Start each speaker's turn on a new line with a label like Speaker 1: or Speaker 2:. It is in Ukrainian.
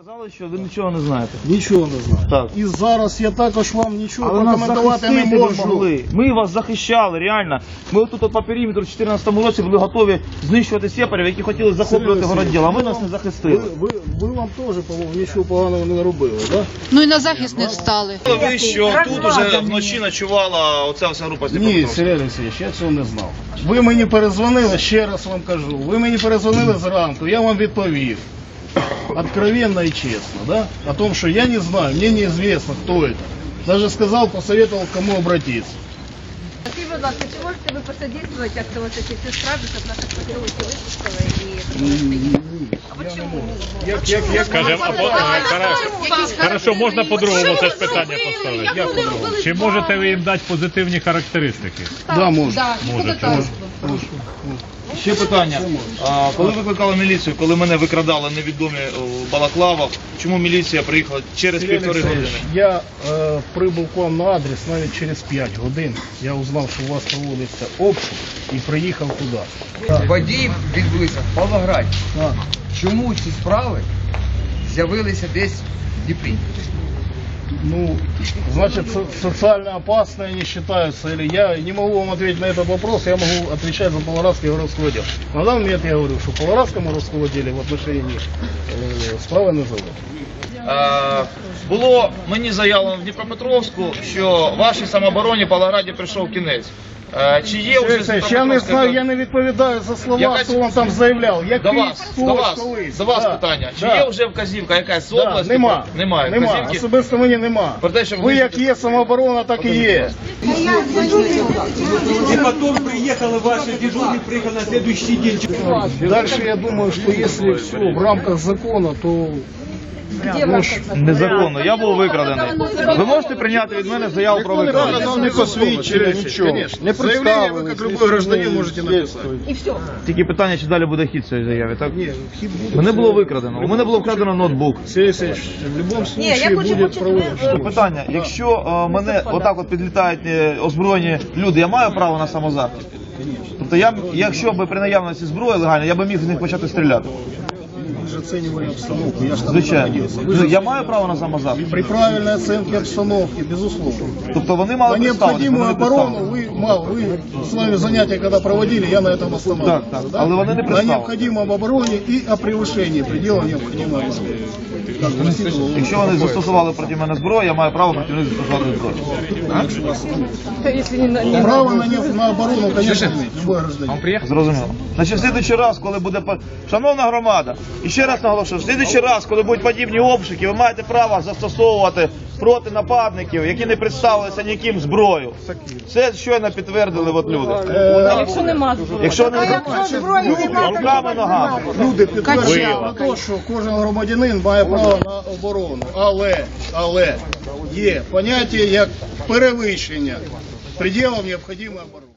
Speaker 1: сказали, що ви нічого не знаєте.
Speaker 2: Нічого не знаю.
Speaker 1: Так.
Speaker 2: І зараз я також вам нічого
Speaker 1: Але нас
Speaker 2: прокоментувати не
Speaker 1: захистити ви
Speaker 2: можу.
Speaker 1: могли. Ми вас захищали, реально. Ми тут по периметру в 2014 році були готові знищувати сепарів, які хотіли захоплювати городділ, а ви нас не захистили.
Speaker 2: Ви вам теж, по-моєму, нічого поганого не робили, так? Да?
Speaker 3: Ну і на захист не встали.
Speaker 1: Ви що тут уже вночі ночувала оця вся група з
Speaker 2: Ні,
Speaker 1: Дніпропетровська?
Speaker 2: Сергій Олексійович, я цього не знав. Ви мені перезвонили, ще раз вам кажу, ви мені перезвонили зранку, я вам відповів. Откровенно и честно, да? О том, что я не знаю, мне неизвестно, кто это. Даже сказал, посоветовал, к кому обратиться.
Speaker 4: Скажіть, будь ласка, чи можете ви посодействовать, як то ось ці справи, щоб наших патріотів випустили і... А почему?
Speaker 5: Скажемо, хорошо, можна по-другому це ж питання поставити. Чи можете ви їм дати позитивні характеристики?
Speaker 2: Да, можно.
Speaker 5: Можете.
Speaker 1: Ще питання. Коли викликали міліцію, коли мене викрадали невідомі в балаклавах, чому міліція приїхала через півтори години?
Speaker 2: Я прибув к вам на адрес навіть через 5 годин. Я узнав, що у вас проводиться обшук і приїхав туди.
Speaker 6: Події відбулися в Павлограді. Чому ці справи з'явилися десь в Дніпрі?
Speaker 2: Ну, значит, социально опасные они считаются, или я не могу вам ответить на этот вопрос, я могу отвечать за Павлоградский городской отдел. На данный момент я говорю, что в Павлоградском городском отделе в отношении них справи не заводять.
Speaker 1: Було мені заявлено в Дніпропетровську, що вашій самообороні в Павлограді прийшов кінець. Чи є вже
Speaker 2: Я не знаю, я не відповідаю за слова, хто вам там заявляв.
Speaker 1: До вас питання. Чи є вже вказівка якась з області?
Speaker 2: Нема.
Speaker 1: Немає.
Speaker 2: Особисто мені нема. Ви як є самооборона, так і є.
Speaker 7: И потом приехали ваши дежурные, приехали на следующий день.
Speaker 2: Дальше я думаю, что если все в рамках закона, то...
Speaker 1: Незаконно. Я був викрадений. Ви можете прийняти від мене заяву про викрадення?
Speaker 2: Не посвідчили, нічого. Не представили. Ви, як любой гражданин, можете написати.
Speaker 4: І все.
Speaker 1: Тільки питання, чи далі буде хід цієї заяви, так?
Speaker 2: Ні, хід буде.
Speaker 1: Мене було викрадено. У мене було вкрадено ноутбук.
Speaker 2: Сергій Олексійович, в будь-якому випадку буде проводити.
Speaker 1: Питання, якщо мене отак от підлітають озброєні люди, я маю право на самозахист? Тобто якщо б при наявності зброї легально, я б міг з них почати стріляти.
Speaker 2: Вы же оценивали обстановку. Я же там
Speaker 1: Звичайно.
Speaker 2: находился.
Speaker 1: Ну, я маю право на самозахист?
Speaker 2: При правильной оценке обстановки, безусловно.
Speaker 1: Тобто вони мали
Speaker 2: На
Speaker 1: представитись,
Speaker 2: необходимую
Speaker 1: вони не
Speaker 2: оборону
Speaker 1: представились.
Speaker 2: вы с вами занятия когда проводили, я на этом останавливался.
Speaker 1: Так, але вони не
Speaker 2: На
Speaker 1: представились.
Speaker 2: необходимом обороне и о превышении предела необходимой обороны.
Speaker 1: Якщо вони застосували проти мене зброю, я маю право проти них застосувати зброю.
Speaker 2: Право на оборону, конечно, любой гражданин.
Speaker 1: Зрозуміло. Значить, в слідуючий раз, коли буде... Шановна громада, і ще раз наголошую, в слідуючий раз, коли будуть подібні обшуки, ви маєте право застосовувати проти нападників, які не представилися ніким зброю. Це щойно підтвердили от люди.
Speaker 4: Якщо нема зброї.
Speaker 1: Якщо не руками, ногами.
Speaker 2: Люди підтверджують на те, що кожен громадянин має право на оборону. Але є поняття як перевищення пределів необхідної оборони.